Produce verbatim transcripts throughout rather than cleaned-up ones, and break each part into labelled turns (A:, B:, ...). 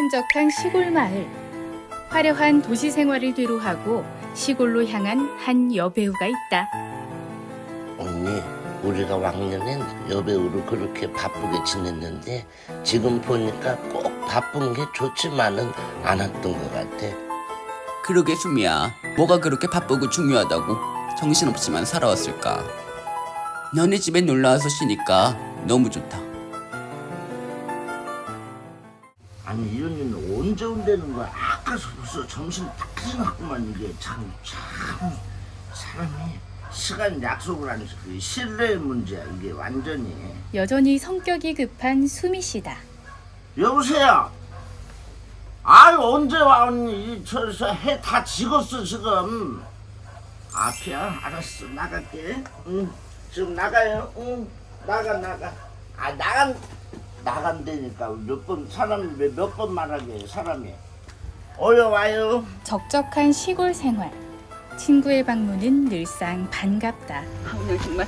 A: 한적한 시골 마을. 화려한 도시 생활을 뒤로하고 시골로 향한 한 여배우가 있다.
B: 언니, 우리가 왕년엔 여배우로 그렇게 바쁘게 지냈는데 지금 보니까 꼭 바쁜 게 좋지만은 않았던 것 같아.
C: 그러게 수미야, 뭐가 그렇게 바쁘고 중요하다고 정신없이만 살아왔을까. 너네 집에 놀러와서 쉬니까 너무 좋다.
B: 아니 이 언니는 언제 온다는 거야? 아까서부터 정신 딱 지났구만. 이게 참, 참 사람이 시간 약속을 안 지키고 신뢰의 문제야 이게 완전히.
A: 여전히 성격이 급한 수미 씨다.
B: 여보세요. 아유 언제 와 언니? 저저 해 다 식었어 지금. 앞이야. 알았어 나갈게. 응 지금 나가요. 응 나가 나가. 아 나간 나간다니까. 몇 번 사람이 몇 번 말하게 사람이. 어여 와요.
A: 적적한 시골 생활. 친구의 방문은 늘상 반갑다.
C: 오늘 정말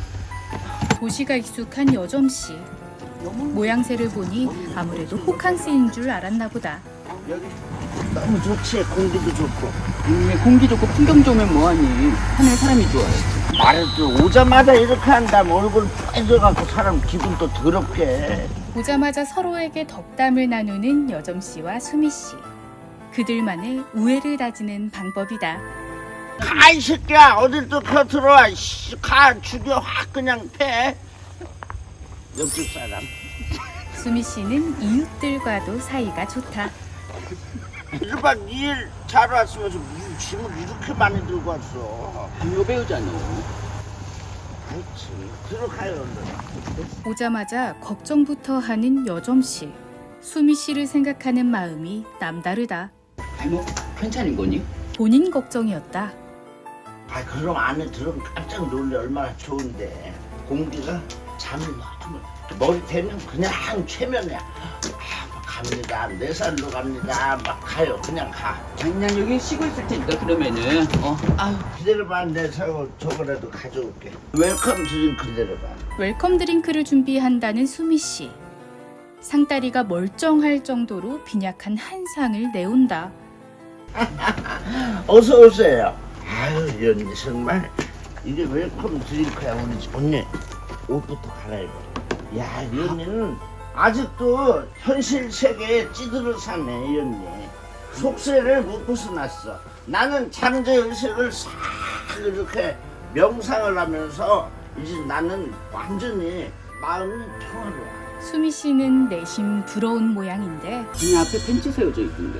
A: 도시가 익숙한 여점 씨. 모양새를 보니 아무래도 호캉스인 줄 알았나 보다.
B: 여기 너무 좋지. 공기도 좋고.
C: 음, 공기 좋고 풍경 좋으면 뭐하니. 하늘 사람이 좋아요.
B: 말해도 오자마자 이렇게 한다면 얼굴 빨개져갖고 사람 기분도 더럽게.
A: 보자마자 서로에게 덕담을 나누는 여점 씨와 수미 씨. 그들만의 우애를 다지는 방법이다.
B: 가 이 새끼야. 어딜 또 펴들어와. 씨, 가 죽여 확 그냥 패. 옆집 사람.
A: 수미 씨는 이웃들과도 사이가 좋다.
B: 일박 이일 자러 왔으면서 무슨 짐을 이렇게 많이 들고 왔어.
C: 여배우잖아.
B: 그렇지. 들어가요 얼른.
A: 오자마자 걱정부터 하는 여점 씨. 수미 씨를 생각하는 마음이 남다르다.
C: 아니 뭐 괜찮은 거니?
A: 본인 걱정이었다.
B: 아 그럼 안에 들으면 깜짝 놀래. 얼마나 좋은데. 공기가 잠이 너무 머리 대면 그냥 최면이야. 아, 갑니다. 네 살로 갑니다. 막 가요. 그냥 가.
C: 그냥 여기 쉬고 있을 테니까 그러면은 어 아유
B: 기다려봐. 내 사고 저거라도 가져올게. 웰컴 드링크 기다려봐.
A: 웰컴 드링크를 준비한다는 수미 씨. 상다리가 멀쩡할 정도로 빈약한 한 상을 내온다.
B: 어서 오세요. 아유 이 언니 정말 이게 웰컴 드링크야. 우리 집 언니 옷부터 갈아입어. 야이 언니는 아직도 현실 세계에 찌들어 사네. 이 언니 속세를 못 벗어났어. 나는 잠재의식을 싹 이렇게 명상을 하면서 이제 나는 완전히 마음이 평화로워.
A: 수미 씨는 내심 부러운 모양인데
C: 그냥 앞에 벤치 세워져 있던데.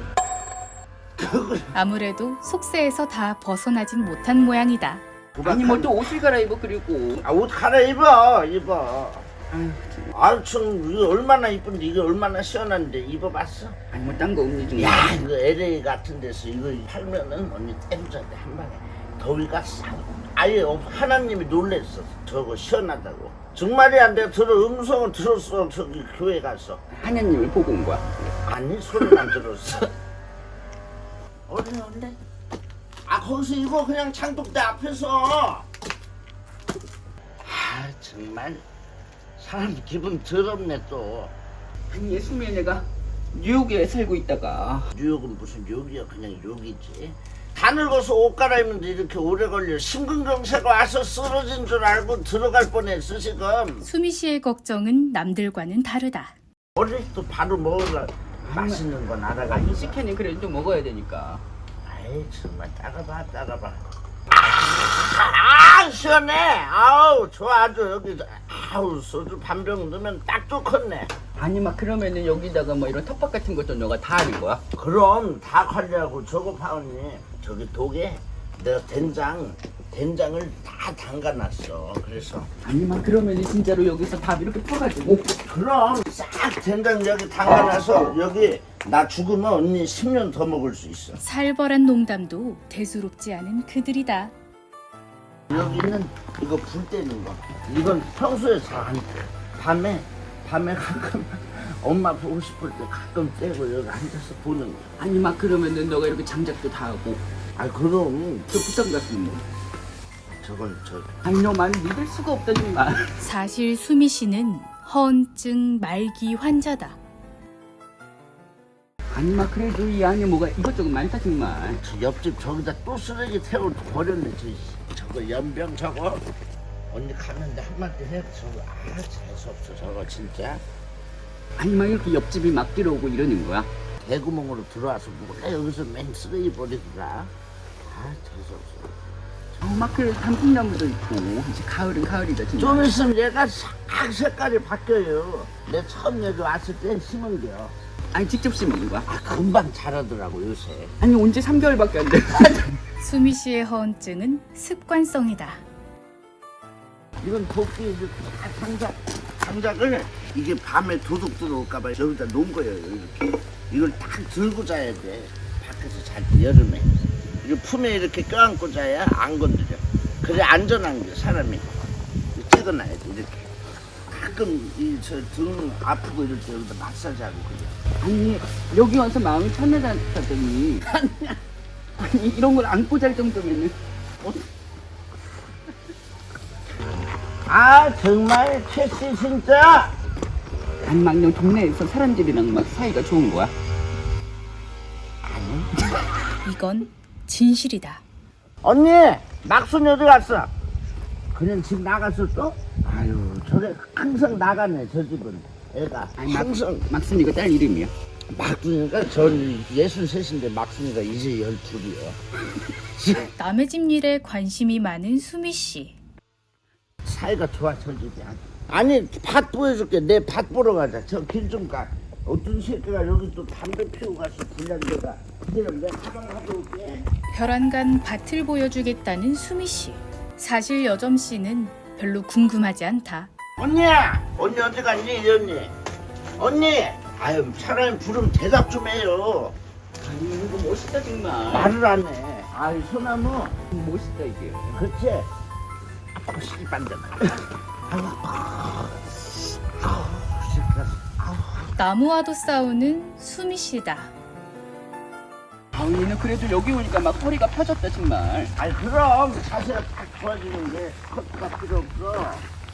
A: 아무래도 속세에서 다 벗어나진 못한 모양이다.
C: 아니 뭐 또 옷을 갈아입어. 그리고
B: 아, 옷 갈아입어. 입어.
C: 아유
B: 아유 참 이거 얼마나 이쁜데. 이게 얼마나 시원한데. 입어봤어?
C: 아니 뭐 딴 거 없니 좀.
B: 야 이거 엘에이 같은 데서 이거 팔면은 언니 때려줘야 돼. 한 방에 더위가 싹 아예 없. 하나님이 놀랬어. 저거 시원하다고. 정말이 안 돼. 들어 음성은 들었어. 저기 교회 가서.
C: 하나님을 보고 온 거야.
B: 아니 소리만 들었어. 얼른 얼른. 아 거기서 이거 그냥 창독대 앞에서. 아 정말 사람 기분 더럽네 또.
C: 아니 수미야, 내가 뉴욕에 살고 있다가
B: 뉴욕은 무슨 뉴욕이야. 그냥 욕이지. 다 늙어서 옷 갈아입는데 이렇게 오래 걸려. 심근경색 와서 쓰러진 줄 알고 들어갈 뻔했어 지금.
A: 수미 씨의 걱정은 남들과는 다르다.
B: 어릴 때 바로 먹으려 맛있는 건 알아가.
C: 아니 식혜는 그래도 좀 먹어야 되니까.
B: 아이 정말 따가봐 따가봐. 아 시원해. 아우 좋아 아주. 여기 아우 소주 반병 넣으면 딱 좋겠네.
C: 아니 막 그러면은 여기다가 뭐 이런 텃밭 같은 것도 너가 다 하는 거야?
B: 그럼 다 관리하고. 저거 파언니 저기 독에 내가 된장 된장을 다 담가놨어. 그래서
C: 아니 막 그러면은 진짜로 여기서 다 이렇게 퍼가지고.
B: 그럼 싹 된장 여기 담가놔서 여기 나 죽으면 언니 십 년 더 먹을 수 있어.
A: 살벌한 농담도 대수롭지 않은 그들이다.
B: 여기 있는 이거 불 때는 거. 이건 평소에 잘 안 떼. 밤에 밤에 가끔 엄마 보고 싶을 때 가끔 떼고 여기 앉아서 보는 거.
C: 아니 막 그러면은 너가 이렇게 장작도 다 하고.
B: 아 그럼
C: 저 부탁 같은 뭐.
B: 저건 저
C: 아니 너 많이 믿을 수가 없다 정말.
A: 사실 수미 씨는 허언증 말기 환자다.
C: 아니 막 그래도 이 안에 뭐가 이것저것 많다 정말.
B: 저 옆집 저기다 또 쓰레기 태워 버렸네. 저 저거 연병 저거. 언니 가는데 한마디 해. 저거 아 재수없어 저거 진짜.
C: 아니 막 이렇게 옆집이 막 들어오고 이러는 거야?
B: 대구멍으로 들어와서 뭐가 여기서 맨 쓰레기 버리더라. 아 재수없어.
C: 어, 막 그래 단풍나무도 있고 이제 가을은 가을이다 진짜.
B: 좀 있으면 얘가 싹 색깔이 바뀌어요. 내 처음 여기 왔을 때 심은 게요.
C: 아니 직접 심은 거야?
B: 아, 금방 자라더라고 요새.
C: 아니 언제 삼 개월밖에 안 돼.
A: 수미 씨의 허언증은 습관성이다.
B: 이건 도끼 이렇게 다 장작, 장작을 이게 밤에 도둑 들어올까봐 여기다 놓은 거예요. 이렇게 이걸 딱 들고 자야 돼. 밖에서 잘 때 여름에 이거 품에 이렇게 껴안고 자야 안 건드려. 그래 안전한 게 사람이 찍어놔야 돼. 이렇게 가끔 이 저 등 아프고 이럴 때 여기다 마사지하고 그래.
C: 아니 여기 와서 마음이 편하다더니 아니 이런 걸 안고 잘 정도면은 어,
B: 아 정말 최씨 진짜.
C: 아니 막 너 동네에서 사람들이랑 막 사이가 좋은 거야?
A: 이건 진실이다.
B: 언니 막순이 어디 갔어? 그냥 집 나갔어 또? 아유 저게 항상 나가네 저 집은 애가.
C: 아니 막,
B: 항상
C: 막순이가 딸 이름이야?
B: 막순이가 전 예순셋인데 막순이가 이제 열둘이요.
A: 남의 집 일에 관심이 많은 수미 씨.
B: 사이가 좋아 저 집이 아주. 아니 밭 보여줄게. 내 밭 보러 가자. 저 길 좀 가. 어떤 새끼가 여기 또 담배 피우고 갔어 불량배가. 그럼 내가 가방 가져올게.
A: 벼랑간 밭을 보여주겠다는 수미 씨. 사실 여점 씨는 별로 궁금하지 않다.
B: 언니야! 언니 어디 갔니 이 언니? 언니! 아유 사람이 부르면 대답 좀 해요.
C: 아니 이거 멋있다 정말.
B: 말을 안 해. 아유 소나무.
C: 멋있다 이게.
B: 그렇지? 아빠 씨반대가. 아유 아빠. 아우 시끄러워. 아우.
A: 나무와도 싸우는 수미 씨다.
C: 아니는 그래도 여기 오니까 막 허리가 펴졌다 정말.
B: 아니 그럼 자세가 딱 좋아지는 게 커트가 필요 없어.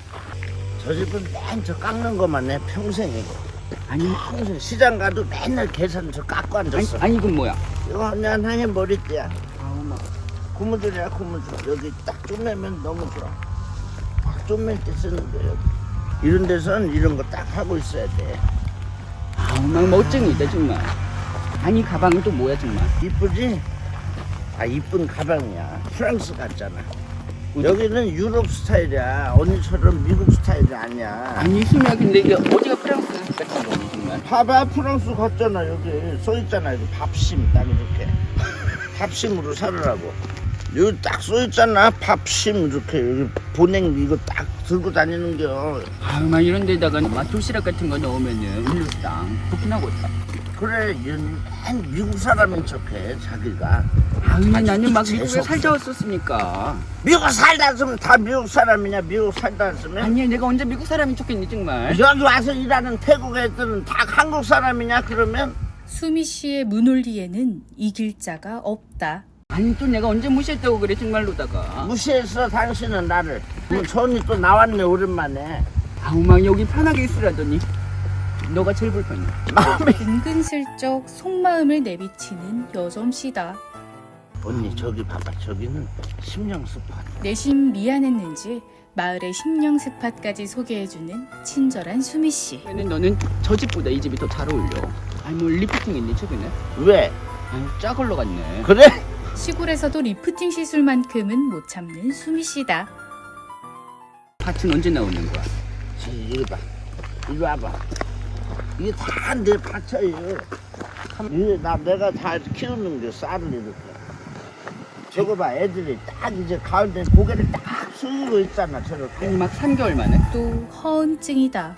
B: 저 집은 맨 저 깎는 것만 해 평생이고.
C: 아니
B: 평생 시장 가도 맨날 계산 저 깎고
C: 아니,
B: 앉았어.
C: 아니 이건 뭐야?
B: 이거 언니 하나의 머리띠야.
C: 아우 막
B: 고무줄이야 고무줄. 여기 딱 쪼매면 너무 좋아. 딱 쪼맬 때 쓰는 거야. 이런 데선 이런 거 딱 하고 있어야 돼.
C: 아우 막 멋쟁이다 정말. 아니 가방은 또 뭐야 정말?
B: 이쁘지? 아 이쁜 가방이야. 프랑스 같잖아. 여기는 유럽 스타일이야. 언니처럼 미국 스타일이 아니야.
C: 아니 수미야 근데 이게 어디가 프랑스 같은 거니 정말?
B: 봐봐 프랑스 같잖아. 여기 써있잖아. 이거 밥심 딱 이렇게. 밥심으로 살으라고. 여기 딱 써있잖아. 밥심 이렇게 여기 보냉 이거 딱 들고 다니는겨.
C: 아우 막 이런 데다가 막 도시락 같은 거 넣으면은 일루쌍 좋긴하겠다.
B: 그래 얘는 맨 미국 사람인 척해 자기가.
C: 아우
B: 아주
C: 나는 막 미국에
B: 재수없어.
C: 살다 왔었으니까.
B: 미국 살다 왔으면 다 미국 사람이냐. 미국 살다 왔으면.
C: 아니 내가 언제 미국 사람인 척했니 정말?
B: 여기 와서 일하는 태국 애들은 다 한국 사람이냐 그러면.
A: 수미 씨의 문홀리에는 이길 자가 없다.
C: 아니 또 내가 언제 무시했다고 그래 정말로다가.
B: 무시했어 당신은 나를. 그럼 저 언니 또 나왔네 오랜만에.
C: 아우 막 여기 편하게 있으라더니 너가 제일 불편해.
B: 마음이.
A: 은근슬쩍 속마음을 내비치는 여점 씨다.
B: 언니 저기 봐봐. 저기는 심령 스팟.
A: 내심 미안했는지 마을의 심령 스팟까지 소개해주는 친절한 수미 씨.
C: 근데 너는 저 집보다 이 집이 더 잘 어울려. 아니 뭐 리프팅 했니 최근에?
B: 왜?
C: 아니 짜 걸러 갔네.
B: 그래?
A: 시골에서도 리프팅 시술만큼은 못 참는 수미 씨다.
C: 밭은 언제 나오는 거야?
B: 자, 이리 봐. 이리 와봐. 이게 다 내 밭이에요. 이게 나 내가 다 키우는 게 쌀을 이렇게. 저거 봐 애들이 딱 이제 가을 때 고개를 딱 숙이고 있잖아 저렇게.
C: 아니 막 삼 개월 만에?
A: 또 허언증이다.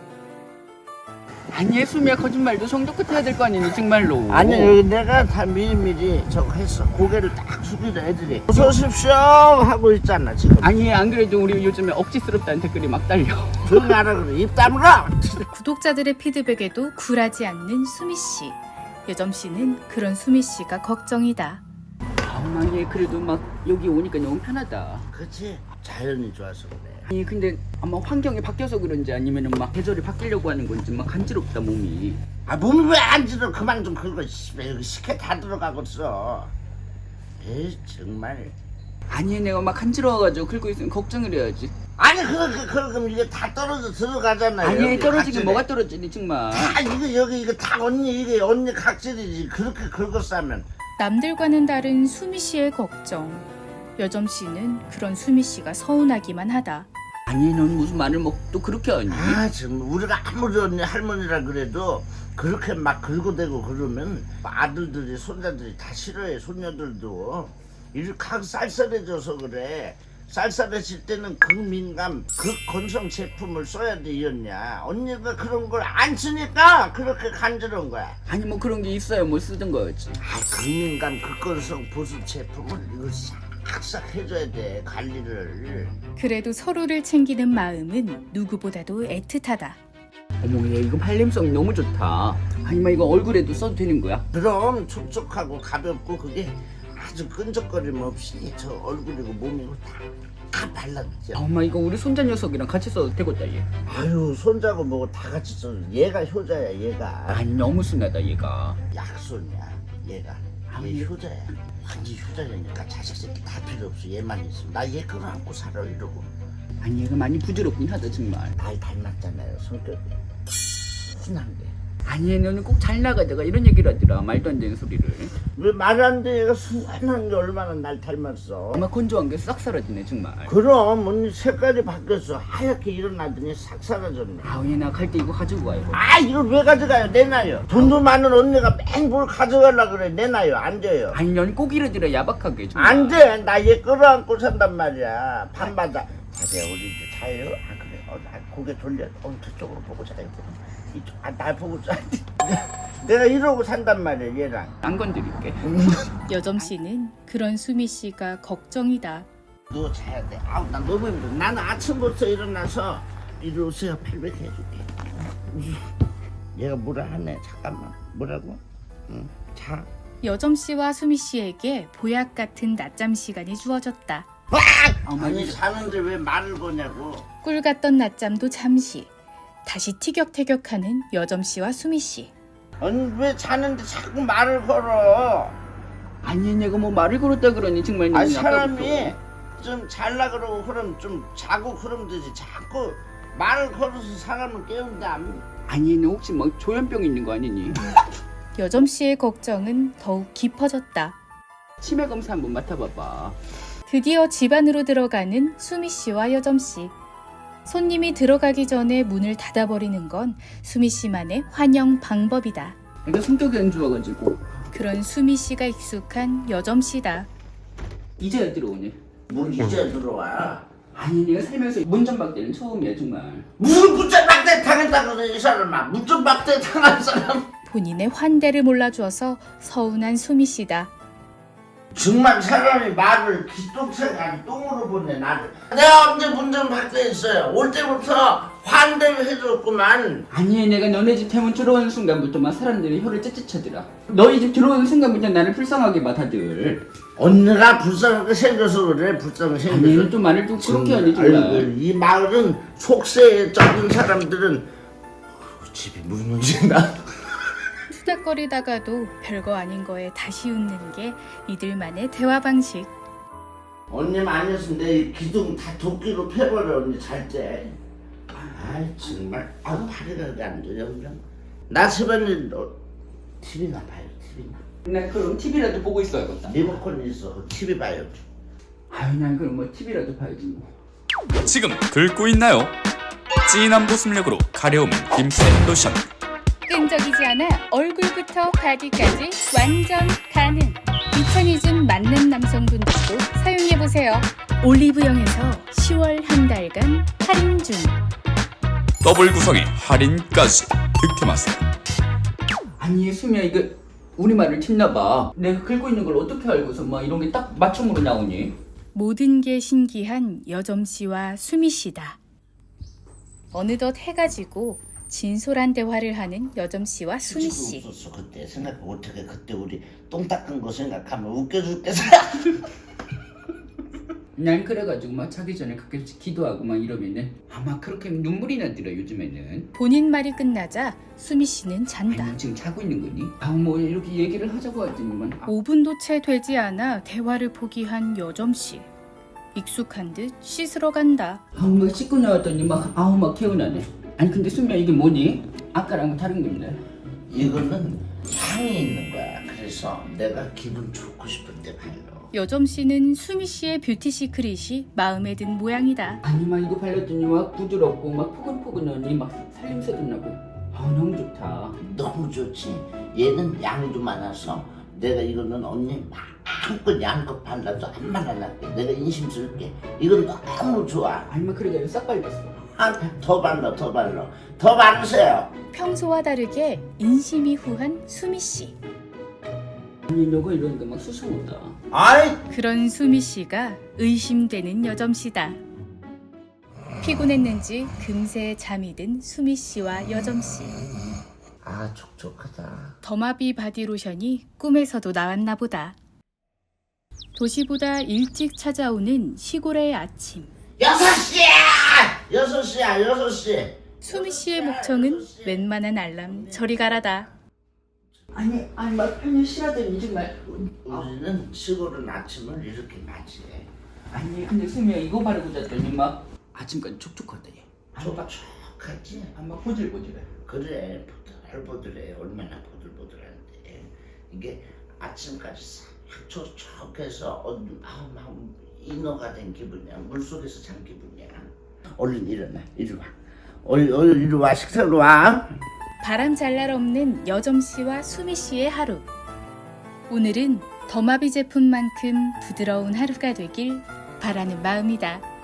C: 아니 수미야 거짓말도 성도 끝 해야 될 거 아니니 정말로.
B: 아니 여기 내가 다 미리미리 저거 했어. 고개를 딱 숙이다 애들이 어서 오십시오 하고 있잖아 지금.
C: 아니 안 그래도 우리 요즘에 억지스럽다는 댓글이 막 달려.
B: 조용히 하라 그래. 입 다물어.
A: 구독자들의 피드백에도 굴하지 않는 수미 씨. 여점 씨는 그런 수미 씨가 걱정이다.
C: 아니 그래도 막 여기 오니까 너무 편하다.
B: 그치 자연이 좋아서 그래.
C: 아니 근데 아마 환경이 바뀌어서 그런지 아니면은 막 계절이 바뀌려고 하는 건지 막 간지럽다 몸이.
B: 아 몸이 왜 안 지러? 그만 좀 긁어. 씨발 여기 식혜 다 들어가고 있어. 에이 정말.
C: 아니 내가 막 간지러워가지고 긁고 있으면 걱정을 해야지.
B: 아니 그렇게 그럼 이게 다 떨어져 들어가잖아요.
C: 아니
B: 여기
C: 떨어지긴
B: 각질에.
C: 뭐가 떨어지니 정말.
B: 다 이거 여기 이거 다 언니 이게 언니 각질이지. 그렇게 긁었으면.
A: 남들과는 다른 수미 씨의 걱정. 여점 씨는 그런 수미 씨가 서운하기만 하다.
C: 아니 넌 무슨 마늘 먹 또 그렇게 하니?
B: 아 지금 우리가 아무리 언니 할머니라 그래도 그렇게 막 긁어대고 그러면 아들들이 손자들이 다 싫어해. 손녀들도 이렇게 쌀쌀해져서 그래. 쌀쌀해질 때는 극민감 극건성 제품을 써야 돼. 이었냐 언니가 그런 걸 안 쓰니까 그렇게 간지러운 거야.
C: 아니 뭐 그런 게 있어야 뭐 쓰던 거였지.
B: 아 극민감 극건성 보습 제품을 이거 싹싹 해줘야 돼. 관리를.
A: 그래도 서로를 챙기는 마음은 누구보다도 애틋하다.
C: 어머 얘 이거 발림성이 너무 좋다. 아니 뭐 이거 얼굴에도 써도 되는 거야?
B: 그럼 촉촉하고 가볍고 그게 아주 끈적거림 없이 저 얼굴이고 몸이고 다, 다 발라주죠.
C: 엄마 이거 우리 손자 녀석이랑 같이 써도 되겠다 얘.
B: 아유 손자고 뭐고 다 같이 써. 얘가 효자야 얘가.
C: 아니 너무 순하다 얘가.
B: 약손이야 얘가. 얘 효자야. 완전 효자니까 자식 새끼 다 필요 없어. 얘만 있으면 나 얘 끌어안고 살아 이러고.
C: 아니 얘가 많이 부드럽긴 하다 정말.
B: 날 닮았잖아요 성격이. 순한 게.
C: 아니 얘는 꼭 잘 나가다가 이런 얘기를 하더라. 말도 안 되는 소리를.
B: 왜 말 안 돼? 얘가 순한 게 얼마나 날 닮았어.
C: 엄마 건조한 게 싹 사라지네 정말.
B: 그럼 언니 색깔이 바뀌었어. 하얗게 일어나더니 싹 사라졌네.
C: 아우 얘 나 갈 때 이거 가지고 가요.
B: 아 이걸 왜 가져가요? 내놔요. 돈도 많은 언니가 맨 뭘 가져가려 그래. 내놔요. 안 돼요.
C: 아니 넌 꼭 이러더라 야박하게 정말.
B: 안 돼. 나 얘 끌어안고 산단 말이야. 밤마다. 자세요. 우리 이제 자요? 아 그래. 어, 나 고개 돌려. 어 저쪽으로 보고 자요. 이쪽. 아 날 보고 자. 내가 이러고 산단 말이야 얘랑.
C: 안 건드릴게.
A: 여점 씨는 그런 수미 씨가 걱정이다.
B: 너 자야 돼. 아우 나 너무 힘들어. 나는 아침부터 일어나서 이리 오세요. 팔백 해줄게. 얘가 뭐라 하네. 잠깐만. 뭐라고? 응. 자.
A: 여점 씨와 수미 씨에게 보약 같은 낮잠 시간이 주어졌다.
B: 와!
C: 어머,
B: 아니
C: 이거-
B: 자는데 왜 말을 거냐고.
A: 꿀 같던 낮잠도 잠시. 다시 티격태격하는 여점 씨와 수미 씨.
B: 아니 왜 자는데 자꾸 말을 걸어.
C: 아니 내가 뭐 말을 걸었다 그러니 정말
B: 아니
C: 너무
B: 사람이
C: 아까부터.
B: 좀 잘라 그러고 그럼 좀 자고 그러면 되지. 자꾸 말을 걸어서 사람을 깨운다.
C: 아니 너 혹시 뭐 조현병 있는 거 아니니?
A: 여점 씨의 걱정은 더욱 깊어졌다.
C: 치매 검사 한번 맡아봐봐.
A: 드디어 집 안으로 들어가는 수미 씨와 여점 씨. 손님이 들어가기 전에 문을 닫아버리는 건 수미 씨만의 환영 방법이다.
C: 내가 성격이 안 좋아가지고.
A: 그런 수미 씨가 익숙한 여점 씨다.
C: 이제야 들어오네.
B: 뭘 이제 들어와.
C: 아니 내가 살면서 문전박대는 처음이야 정말.
B: 무슨 문전박대 당했다 그래 이 사람아. 문전박대 당한 사람.
A: 본인의 환대를 몰라주어서 서운한 수미 씨다.
B: 정말 사람이 말을 기똥차게 아니 똥으로 보내 나를. 내가 언제 문전박대 했어요. 올 때부터 환대를 해줬구만.
C: 아니 내가 너네 집 대문 들어오는 순간부터 막 사람들이 혀를 째째차더라. 너희 집 들어오는 순간부터 나를 불쌍하게 봐 다들.
B: 언니가 불쌍하게 생겨서 그래. 불쌍하게 생겨서.
C: 아니 얘는 또 말을 또 그렇게 하니 정말.
B: 아이고, 이 마을은 속세에 젖은 사람들은 어휴, 집이 무너진다.
A: 투닥거리다가도 별거 아닌 거에 다시 웃는 게 이들만의 대화 방식.
B: 언니만 아니었으면 내 기둥 다 도끼로 패버려. 언니 잘 때. 아이 정말. 아 팔이 가게 안 돼. 영장. 나 집안일 너 티비나 봐요. 티비나.
C: 나 그럼 티비라도 보고 있어야겠다.
B: 리모컨 있어. 티비 봐요.
C: 아유 난 그럼 뭐 티비라도 봐야지 뭐.
D: 지금 긁고 있나요? 진한 보습력으로 가려움은 힘센 로션.
A: 끈적이지 않아 얼굴부터 바디까지 완전 가능. 비천이즘 많는 남성분들도 사용해보세요. 올리브영에서 시월 한 달간 할인 중.
D: 더블 구성의 할인까지 득템하세요.
C: 아니 수미야 이거 우리말을 튑나봐. 내가 긁고 있는 걸 어떻게 알고서 막 이런 게 딱 맞춤으로 나오니?
A: 모든 게 신기한 여점 씨와 수미 씨다. 어느덧 해가 지고 진솔한 대화를 하는 여점 씨와 수미 씨.
B: 없었어 그때. 생각 어떻게 그때 우리 똥 닦은 거 생각하면 웃겨 죽겠어.
C: 난 그래가지고 막 자기 전에 가끔씩 기도하고 막 이러면은 아마 그렇게 눈물이 나더라 요즘에는.
A: 본인 말이 끝나자 수미 씨는 잔다.
C: 아니 지금 자고 있는 거니? 아 뭐 이렇게 얘기를 하자고 하더니만 아,
A: 오 분도 채 되지 않아 대화를 포기한 여점 씨. 익숙한 듯 씻으러 간다.
C: 아우 막 씻고 나왔더니 막 아우 막 개운하네. 아니 근데 수미야 이게 뭐니? 아까랑 다른 건데.
B: 이거는 향이 있는 거야. 그래서 내가 기분 좋고 싶을 때 발라.
A: 여점 씨는 수미 씨의 뷰티 시크릿이 마음에 든 모양이다.
C: 아니 막 이거 발랐더니 막 부드럽고 막 포근포근하니 막 살림새도 나고 아 너무 좋다.
B: 너무 좋지. 얘는 양도 많아서 내가 이거는 언니 마음껏 양껏 발라도 안 말라날게. 내가 인심 쓸게. 이건 너무 좋아.
C: 아니 막 그래가 싹 발랐어.
B: 아, 더 발라, 더 발라. 더 바르세요.
A: 평소와 다르게 인심이 후한 수미 씨.
C: 아니 너가 이러니까 막 수상하다.
B: 아이,
A: 그런 수미 씨가 의심되는 여점 씨다. 피곤했는지 금세 잠이 든 수미 씨와 여점 씨.
B: 아, 촉촉하다.
A: 더마비 바디로션이 꿈에서도 나왔나 보다. 도시보다 일찍 찾아오는 시골의 아침.
B: 여섯 시야! 여섯 시야, 여섯 시.
A: 수미 씨의 목청은 웬만한 알람 저리 가라다.
C: 아니 아니 막 편히 쉬라더니 정말.
B: 우리는 시골은 아침을 이렇게 맞이해.
C: 아니 근데 수미야 이거 바르고 잤더니 막 아침까지 촉촉하다 얘.
B: 촉촉하지?
C: 아막 보들보들해.
B: 그래, 보들보들해. 얼마나 보들보들한데. 이게 아침까지 싹 촉촉해서 어, 아, 막 인어가 된 기분이야. 물속에서 잔 기분이야. 얼른 일어나, 이리 와. 얼른, 얼른 이리 와, 식사로 와.
A: 바람 잘 날 없는 여점 씨와 수미 씨의 하루. 오늘은 더마비 제품만큼 부드러운 하루가 되길 바라는 마음이다.